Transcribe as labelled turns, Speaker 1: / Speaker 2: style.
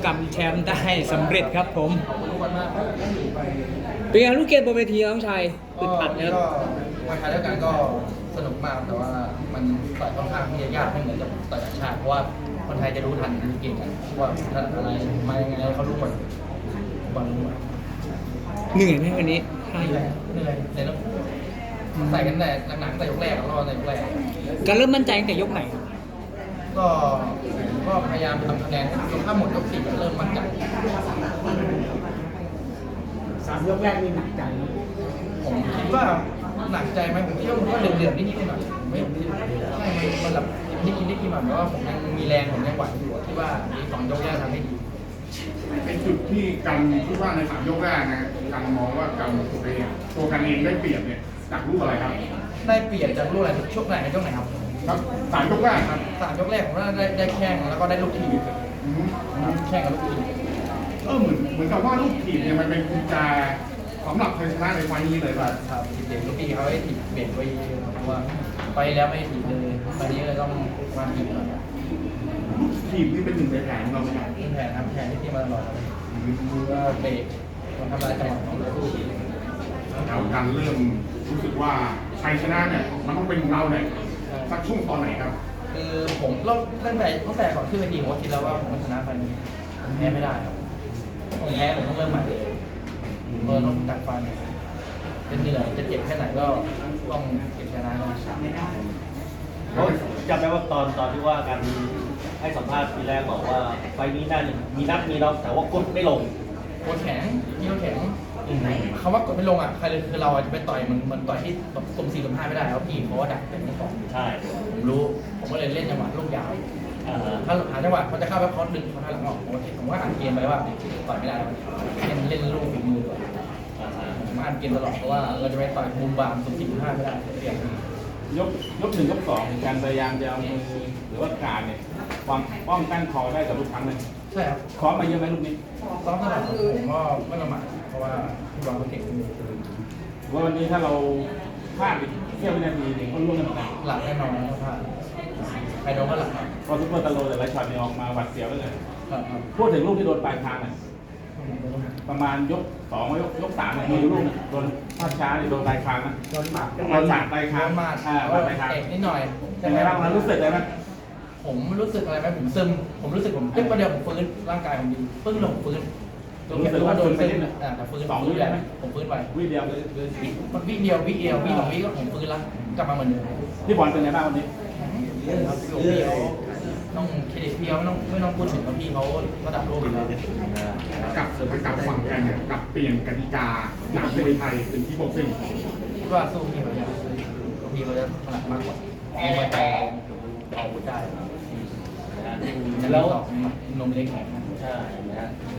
Speaker 1: กำแชมป์ได้สำเร็จครับผม
Speaker 2: ขอบคุณทุกคนมากครับ
Speaker 1: เป็นไงลูกเกมบนเวทีน้องชายอึดอัดนะค
Speaker 2: ก็
Speaker 1: รับ
Speaker 2: วันท้ายด้วยกันก็สนุกมากแต่ว่ามันต่อยค่อนข้างที่จะยากไม่เหมือนกับต่อยต่างชาติเพราะว่าคนไทยจะรู้ทันเก่งกันว่าถนัดอะไรมายังไงเขารู้หมดบอลรู้หมด
Speaker 1: เหนื่อยไหมวันนี้
Speaker 2: เหนื่อยแต่ต้องใส่กันแต่หนักๆแต่ยกแรกรอแต่ยกแรก
Speaker 1: การเริ่มมั่นใจตั้งแต่ยกไหน
Speaker 2: ก็พยายามทำคะแนนจนถ้าหมดยกสี่ก็เริ่มมั่นใจ
Speaker 3: 3 ยกแรกนี่หนักใจนะ
Speaker 2: ผมคิดว่าหนักใจไหมผมคิดว่ามันก็เดือดๆนิดๆหน่อยๆไม่ใช่มันแบบนิดๆหน่อยๆแต่ว่าผมยังมีแรงผมยังไหวอยู่คิดว่าอีก2 ยกแรกทำให้ดี
Speaker 4: ในจุดที่กันคิดว่าใน3 ยกแรกนะกันมองว่ากันตัวกันเองได้เปรียบเนี่ยจากรูปอะไรครับ
Speaker 2: ได้เปลี่ยนจากลูกอะไรช่วงไหนช่วงไหนครับ
Speaker 4: ครับ3 ยกแรกครับ
Speaker 2: 3 ยกแรกผมว่าได้แข้งแล้วก็ได้ลูกทีม
Speaker 4: อืม
Speaker 2: แข้งกับลูกทีม
Speaker 4: เหมือนกับว่าลูกทีมเนี่ยมันเป็นกุญแจสำหรับชัยชนะในไฟล์นี้เลยป่ะ
Speaker 2: ครับเด็กลูกทีเขาให้ถีบเบี่ยงไปเยอะเพราะว่าไปแล้วไม่ถีบเลยไปนี้เลยต้องมาถีบหน่อย
Speaker 4: ลูกทีมนี่เป็นหนึ่งในแผนของเราไหมครับ
Speaker 2: ขึ้นแผนครับแผนที่ทีมมาตลอดครับก็เบรกคนทำลายจังหวะของเราที
Speaker 4: แล้วกันเริ่มรู้สึกว่าชัยชนะเนี่ยมันต้องเป็นของเราเนี่ยสักช่วงตอนไหนครับ
Speaker 2: คือผมเริ่มตั้งแต่ก่อนขึ้นเวทีผมก็คิดแล้วว่าผมชนะไฟนี้ผมแพ้ไม่ได้ครับผมแพ้ผมต้องเริ่มใหม่เลยต้องกัดฟันจะเหนื่อยจะเจ็บแค่ไหนก็ต้องเก็บชนะนะ
Speaker 5: เขาจำได้ว่าตอนที่ว่ากันให้สัมภาษณ์ทีแรกบอกว่าไฟล์นี้น่าจะมีนัดมีน็อกแต่ว่ากดไม่ลง
Speaker 2: โคตรแข็งพี่เขาแข็งคำว่ากดไม่ลงอ่ะใครเลยคือเราจะไปต่อยมันต่อยที่แบบสุ่ม4สุ่ม5ไม่ได้แล้วพี่เขาว่าดักเป็นที่สอง
Speaker 5: ใช่
Speaker 2: ผมรู้ผมก็เลยเล่นจังหวะลูกยาว
Speaker 5: อ่าฮะ
Speaker 2: ถ้าหาจังหวะเขาจะเข้าไปเขาดึงเขาทางหลังออกผมว่าอ่านเกมไปว่าต่อยไม่ได้เล่นลูกฝีมือก่อน
Speaker 5: อ่าฮะ
Speaker 2: ผมอ่านเกมตลอดเพราะว่าเราจะไปต่อยมุมบามสุ่ม4สุ่ม5ไม่ได้เปลี่ยน
Speaker 6: ยก1 ยก 2การพยายามจะเอามือหรือว่าการเนี่ยความป้องกันคอได้กับทุกครั้งเลย
Speaker 2: ใช่ครับ
Speaker 6: คอมาเยอะไหมลูกนี้
Speaker 2: ซ้อมตลอดผมก็ไม่ประมาทเพราะว่าพี่บอลเขาเก่ง
Speaker 6: ว่าวันนี้ถ้าเราพลาดอีกเสี้ยววินาทีเองก็ร่วงกันเหมือนกัน
Speaker 2: หลักแน่นอนนะพลาดใครโดนก็หลักครับ
Speaker 6: เพราะซุปเปอร์ตะโลแต่ละช็อตเนี่ยออกมาหวัดเสียวเลย
Speaker 2: ครับ
Speaker 6: พูดถึงลูกที่โดนปลายทางเนี่ยประมาณยก2ยก3มีลูกเนี่ยโดนภาพช้าเนี่ยโดนปลายทางนะ
Speaker 3: โดนหมัด
Speaker 6: โดนหมัดปลายทาง
Speaker 2: มา
Speaker 6: หมัดปลายทาง
Speaker 2: เตะนิดหน่อย
Speaker 6: เป็นไงบ้างมันรู้สึกเลยไหม
Speaker 2: ผมรู้สึกอะไรไหมผมซึมผมรู้สึกผมตึ๊บประเดี๋ยวผมฟื้นร่างกายผมดีปึ้งลงฟื้นแต่ฟื้น2 วิได้ไหมผมฟื้นไป
Speaker 6: วิเดียว
Speaker 2: มันวิเดียววิ2 วิก็ผมฟื้นแล้วกลับมาเหมือนเดิม
Speaker 6: พี่บอลเป็นไงบ้างวันนี้
Speaker 2: ครับพี่เขาต้องเครดิตพี่เขาไม่ต้องพูดถึงว่าพี่เขาระดับโลกอยู่แล้ว
Speaker 4: กับฝั่งกันเนี่ยกับเปลี่ยนกติกาจากมวยไทยเป็นที่บ็อกซิ่ง
Speaker 2: คิดว่าสู้พี่เขาจะพี่เขาจะถนัดมากกว่ามีมาแต่เอาได้แล้วนมเล็กแข็ง
Speaker 5: ใช่นะฮะ